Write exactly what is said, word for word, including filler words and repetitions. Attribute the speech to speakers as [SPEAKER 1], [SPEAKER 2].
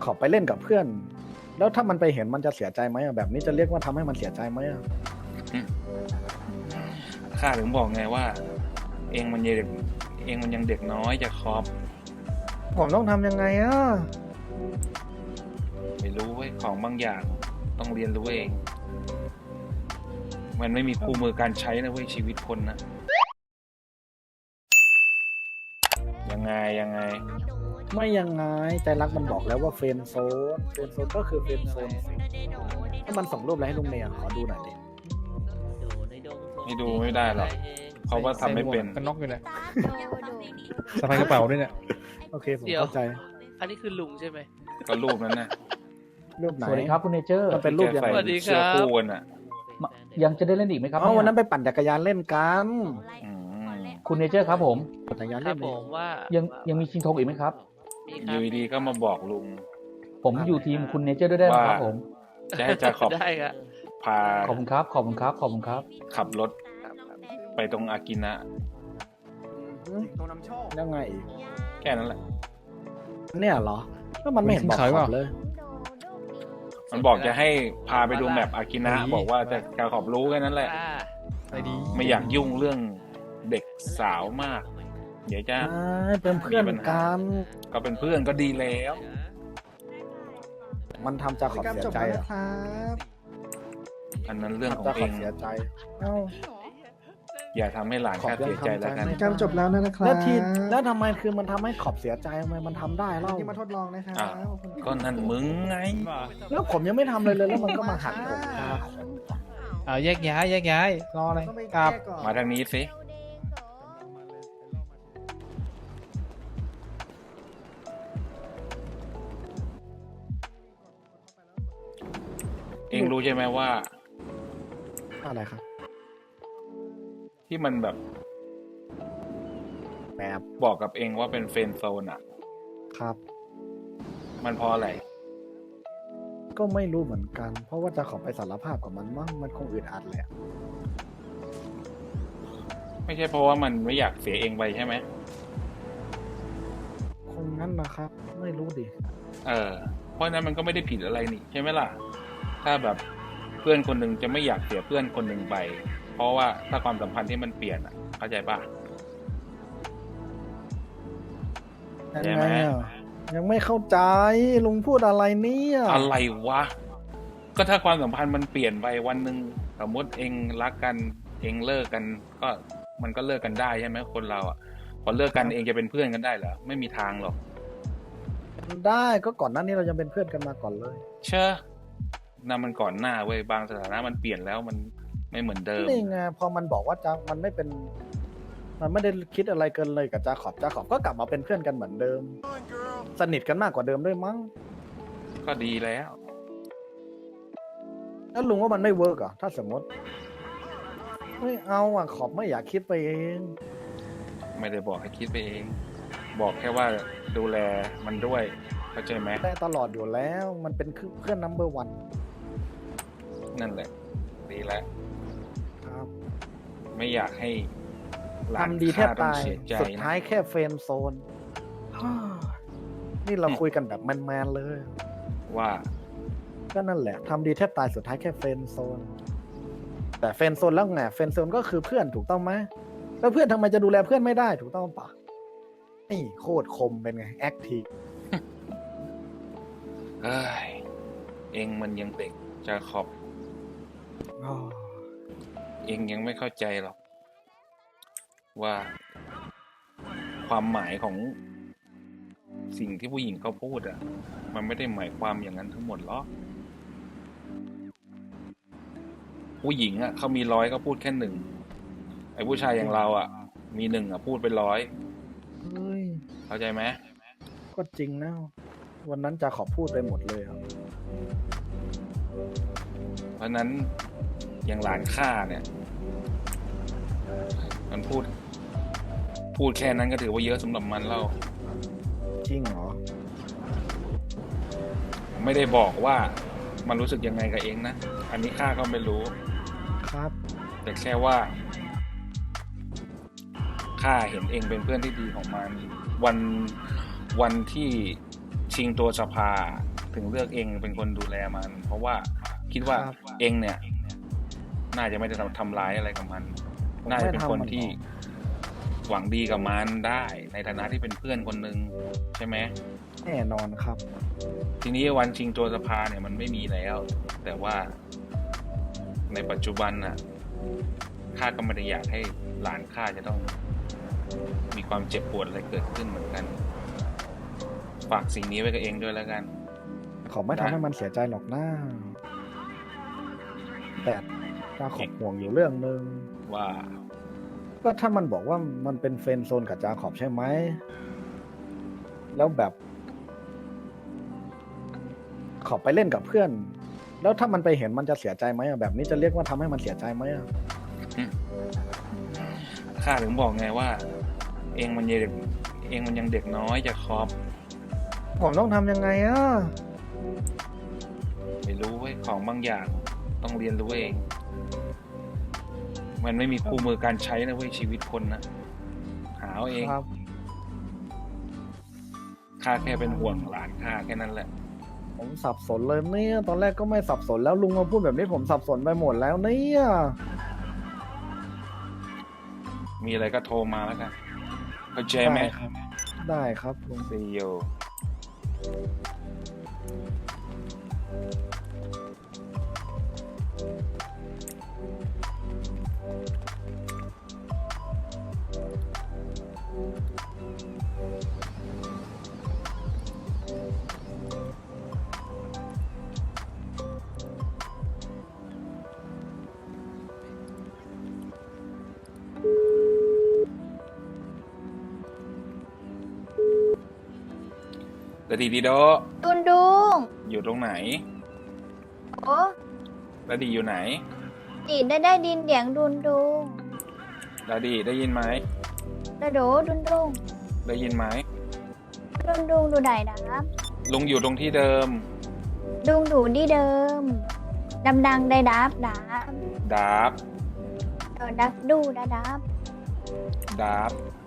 [SPEAKER 1] ขอไปเล่นกับเพื่อน แล้วถ้ามันไปเห็นมันจะเสียใจไหมอะแบบนี้จะเรียกว่าทำให้มันเสียใจไหมอะ
[SPEAKER 2] ข้าถึงบอกไงว่า เองมันยังเด็กเองมันยังเด็กน้อยจะคอบ
[SPEAKER 1] ผมต้องทำยังไงอะ
[SPEAKER 2] ไม่รู้เว้ยของบางอย่างต้องเรียนรู้เอง มันไม่มีคู่มือการใช้นะเว้ยชีวิตคนนะยังไงยังไง
[SPEAKER 1] ไม่ยังไงใจรักมันบอกแล้วว่าเฟรนด์โซนเฟรนด์โซนก็คือเฟรนด์โซนสิถ้ามันส่งรูปอะไรให้ลุงเมียขอดูหน่อยดิ
[SPEAKER 2] ไม่ดูไม่ได้หรอกเพราะว่าทำไม่เป็น
[SPEAKER 3] กันน็อกอยู่เลยสะพายกระเป๋าด้วยเนี่ย
[SPEAKER 1] โอเคผมเข้าใจ
[SPEAKER 4] อันนี้คือลุงใช่ไหม
[SPEAKER 2] ก็รูปนั้นนะ
[SPEAKER 1] รูปไหน
[SPEAKER 5] สวัสดีครับคุณเนเจอร์
[SPEAKER 1] มันเป็นรูปยัง
[SPEAKER 2] ใส่
[SPEAKER 1] ไง
[SPEAKER 4] สวัสดี
[SPEAKER 2] เสื้อ
[SPEAKER 4] ครับ
[SPEAKER 2] คู่กันอ่ะ
[SPEAKER 5] ยังจะได้เล่นอีกไหมครับ
[SPEAKER 1] อ๋อวันนั้น
[SPEAKER 5] เย
[SPEAKER 1] ไปปั่นจักรยานเล่นกัน
[SPEAKER 2] อืม
[SPEAKER 5] คุณเนเจอร์ครับผม
[SPEAKER 1] ปั่นจักรยาน
[SPEAKER 4] ค
[SPEAKER 1] เล่
[SPEAKER 4] รับ
[SPEAKER 1] น
[SPEAKER 4] ผ
[SPEAKER 1] เอง
[SPEAKER 4] มว่า
[SPEAKER 5] ยังยังมีชิงธงอีกไหมครับ
[SPEAKER 4] มี
[SPEAKER 2] อ
[SPEAKER 4] ครับ
[SPEAKER 2] ยู่ดีๆก็มาบอกลุง
[SPEAKER 5] ผมอยู่ทีมคุณเนเจอร์ด้วยได้ไหมครับ
[SPEAKER 2] ว่า
[SPEAKER 5] ผม
[SPEAKER 2] จะให้จาขอบ
[SPEAKER 4] ได้ครับ
[SPEAKER 2] พา
[SPEAKER 5] ขอบคุณครับ ขอบคุณครับ ขอบคุณครับ
[SPEAKER 2] ขับรถไปตรงอากินะ
[SPEAKER 1] ยังไงอีก
[SPEAKER 2] แค่นั้นแหละ
[SPEAKER 1] เนี่ยเหรอแล้วมันไม่เห็นบอกขอบเลย
[SPEAKER 2] มันบอกจะให้พาไปดูแมปอากินะ บอกว่าจะจะขอบรู้แค่นั้นแหละ
[SPEAKER 4] อ่า
[SPEAKER 3] ไอดี
[SPEAKER 2] ไม่อยากยุ่งเรื่องเด็กสาวมาก เดี๋ยวจะ
[SPEAKER 1] อ่าเป็นเพื่อนกัน
[SPEAKER 2] ก็เป็นเพื่อนก็ดีแล้ว
[SPEAKER 1] มันทำจะขอบเสียใจเหรอ
[SPEAKER 2] อันนั้นเรื่องของ
[SPEAKER 1] จะ
[SPEAKER 2] เอ
[SPEAKER 1] ขอบ
[SPEAKER 2] ง
[SPEAKER 1] เสียใจเอ้า
[SPEAKER 2] อย่าทำให้หลาน
[SPEAKER 1] ขอบ
[SPEAKER 2] ข้าเสียใจแล้วกัน
[SPEAKER 1] ยังทำใจไม่
[SPEAKER 6] การจบแล้วนะครับ
[SPEAKER 1] แล้วทีแล้วทำไมคือมันทำให้ขอบเสียใจทำไมมันทำได้เล่า
[SPEAKER 6] ที่มาทดลองนะครับ
[SPEAKER 2] อ่ะ ก็นั่นมึงไง
[SPEAKER 1] แล้วผมยังไม่ทำเลยเลยแล้วมันก็มาหักผมตาผม
[SPEAKER 3] เอาแยกย้ายแยกย้ายรออะไร
[SPEAKER 6] ต้องไป
[SPEAKER 3] กลับ
[SPEAKER 6] แก้ก่อน
[SPEAKER 2] มาทางนี้สิ เองรู้ใช่ไหมว่า
[SPEAKER 1] อะไรครับ
[SPEAKER 2] ที่มันแบบ
[SPEAKER 1] แมบ
[SPEAKER 2] บอกกับเองว่าเป็นเฟรนด์โซนอ่ะ
[SPEAKER 1] ครับ
[SPEAKER 2] มันเพราะอะไร
[SPEAKER 1] ก็ไม่รู้เหมือนกัน เพราะว่าจะขอไปสารภาพกับมันมั้งมันคงอึดอัดแหละ
[SPEAKER 2] ไม่ใช่เพราะว่ามันไม่อยากเสียเองไปใช่ไหม
[SPEAKER 1] คงงั้นนะครับ ไม่รู้ดิ
[SPEAKER 2] เออ เพราะฉะนั้นมันก็ไม่ได้ผิดอะไรนี่ใช่ไหมล่ะ ถ้าแบบเพื่อนคนหนึ่งจะไม่อยากเสียเพื่อนคนหนึ่งไป เพราะว่าถ้าความสัมพันธ์ที่มันเปลี่ยนอ่ะ เข้าใจปะ
[SPEAKER 1] ยัง
[SPEAKER 2] ใช่
[SPEAKER 1] ไง
[SPEAKER 2] ไหม
[SPEAKER 1] อ่ะยังไม่เข้าใจลุงพูดอะไรเนี่ย
[SPEAKER 2] อะไรวะ ก็ถ้าความสัมพันธ์มันเปลี่ยนไปวันหนึ่งสมมติเองรักกันเองเลิกกัน ก็มันก็เลิกกันได้ใช่ไหมคนเราอ่ะ พอเลิกกันเองจะเป็นเพื่อนกันได้เหรอไม่มีทางหรอก
[SPEAKER 1] ได้ก็ก่อนหน้านี้เรายังเป็นเพื่อนกันมาก่อนเลย
[SPEAKER 2] เชื่อนั่นมันก่อนหน้าเว้ยบางสถานะมันเปลี่ยนแล้วมันไม่เหมือนเดิม
[SPEAKER 1] นี่ไงพอมันบอกว่าจะมันไม่เป็น มันไม่ได้คิดอะไรเกินเลยกับจาขอบจาขอบก็กลับมาเป็นเพื่อนกันเหมือนเดิม สนิทกันมากกว่าเดิมด้วยมั้ง
[SPEAKER 2] ก็ดีแล้ว
[SPEAKER 1] แล้วลุงว่ามันไม่เวิร์กเหรอถ้าสมมติไม่เอาอ่ะขอบไม่อยากคิดไปเอง
[SPEAKER 2] ไม่ได้บอกให้คิดไปเอง บอกแค่ว่าดูแลมันด้วยเข้าใจไหม
[SPEAKER 1] ได้ตลอดอยู่แล้วมันเป็นคือเพื่อนนัมเบอร์วัน
[SPEAKER 2] นั่นแหละ ดีแล้ว
[SPEAKER 1] ครับ
[SPEAKER 2] ไม่อยากให้หลาน
[SPEAKER 1] ทำดีแทบ
[SPEAKER 2] ข้ต้อง
[SPEAKER 1] ตาย
[SPEAKER 2] เสียใจ
[SPEAKER 1] สุด
[SPEAKER 2] นะ
[SPEAKER 1] ท้ายแค่เฟรนด์โซน ฮ่านี่เราคุยกันแบบแมนๆเลย
[SPEAKER 2] ว่า
[SPEAKER 1] ก็นั่นแหละทำดีแทบตายสุดท้ายแค่เฟรนด์โซน แต่เฟรนด์โซนแล้วไงเฟรนด์โซนก็คือเพื่อนถูกต้องไหมแล้วเพื่อนทำไมจะดูแลเพื่อนไม่ได้ถูกต้องปะนี่โคตรคมเป็นไงแอคทีฟ
[SPEAKER 2] เอ้ยเองมันยังเด็กจะขอบเองยังไม่เข้าใจหรอก ว่า ความหมายของสิ่งที่ผู้หญิงเขาพูดอ่ะ มันไม่ได้หมายความอย่างนั้นทั้งหมดหรอกผู้หญิงอ่ะเขามีร้อยก็พูดแค่หนึ่งไอ้ผู้ชายอย่างเราอ่ะ มีหนึ่งอ่ะพูดเป็นร้อย
[SPEAKER 1] เฮ้ย
[SPEAKER 2] เข้าใจไหม
[SPEAKER 1] ก็จริงนะวันนั้นจะขอพูดไปหมดเลยครับ
[SPEAKER 2] เพราะฉะนั้นอย่างหลานข้าเนี่ย มันพูด พูดแค่นั้นก็ถือว่าเยอะสำหรับมันแล้ว
[SPEAKER 1] จริงเหรอ
[SPEAKER 2] ไม่ได้บอกว่ามันรู้สึกยังไงกับเองนะ อันนี้ข้าก็ไม่รู้
[SPEAKER 1] ครับ
[SPEAKER 2] แต่แค่ว่าข้าเห็นเองเป็นเพื่อนที่ดีของมัน วันวันที่ชิงตัวสภาถึงเลือกเองเป็นคนดูแลมัน เพราะว่าคิดว่า
[SPEAKER 1] ครับ
[SPEAKER 2] เองเนี่ย น่าจะไม่ได้ทำร้ายอะไรกับมัน
[SPEAKER 1] ผม
[SPEAKER 2] น่าจะเป็น
[SPEAKER 1] ไม่ทำ
[SPEAKER 2] คน
[SPEAKER 1] มัน
[SPEAKER 2] ที่
[SPEAKER 1] หรอก
[SPEAKER 2] หวังดีกับมันได้ ในฐานะที่เป็นเพื่อนคนหนึ่งใช่ไหม
[SPEAKER 1] แน่นอนครับ
[SPEAKER 2] ทีนี้วันชิงตัวสภาเนี่ยมันไม่มีแล้ว แต่ว่าในปัจจุบันน่ะข้าก็ไม่ได้อยากให้หลานข้าจะต้อง มีความเจ็บปวดอะไรเกิดขึ้นเหมือนกัน ฝากสิ่งนี้ไว้กับเองด้วยแล้วกัน
[SPEAKER 1] ขอไม่ทำให้มันเสียใจหรอกนะแต่จาขอบห่วงอยู่เรื่องหนึ่ง
[SPEAKER 2] ว่า
[SPEAKER 1] ก็ถ้ามันบอกว่ามันเป็นเฟรนด์โซนกับจาขอบใช่ไหม แล้วแบบ ขอบไปเล่นกับเพื่อน แล้วถ้ามันไปเห็นมันจะเสียใจไหมอะแบบนี้จะเรียกว่าทำให้มันเสียใจไหมอะ
[SPEAKER 2] ข้าถึงบอกไงว่า เองมันยังเด็กเองมันยังเด็กน้อยจะคอบ
[SPEAKER 1] ผมต้องทำยังไงอะ
[SPEAKER 2] ไม่รู้เว้ยของบางอย่างต้องเรียนรู้เอง มันไม่มีคู่มือการใช้นะเว้ยชีวิตคนนะหาเอาเอง
[SPEAKER 1] ครับ
[SPEAKER 2] ข้าแค่เป็นห่วงหลานข้าแค่นั้นแหละ
[SPEAKER 1] ผมสับสนเลยเนี่ย ตอนแรกก็ไม่สับสนแล้วลุงมาพูดแบบนี้ผมสับสนไปหมดแล้วเนี่ย
[SPEAKER 2] มีอะไรก็โทรมาแล้วกันเข้าใจไหม
[SPEAKER 1] ได้ครับ ได้ครับลุง
[SPEAKER 2] ซีโอ ดาดีดีโด
[SPEAKER 6] ดุนดุง
[SPEAKER 2] อยู่ตรงไหน
[SPEAKER 6] โอ้
[SPEAKER 2] ดาดีอยู่ไหน
[SPEAKER 6] จีได้ได้ดินเดียงดุนดุง
[SPEAKER 2] ดาดีได้ยินไหม
[SPEAKER 6] ดะโดดุนดุง
[SPEAKER 2] ได้ยินไหม
[SPEAKER 6] ดุนดุงดูไหนดับ
[SPEAKER 2] ลุงอยู่ตรงที่เดิม
[SPEAKER 6] ดุงดูดีเดิมดำดังได้ดับดับ
[SPEAKER 2] ดาบ
[SPEAKER 6] เออดับดูดาดับ
[SPEAKER 2] ดาบ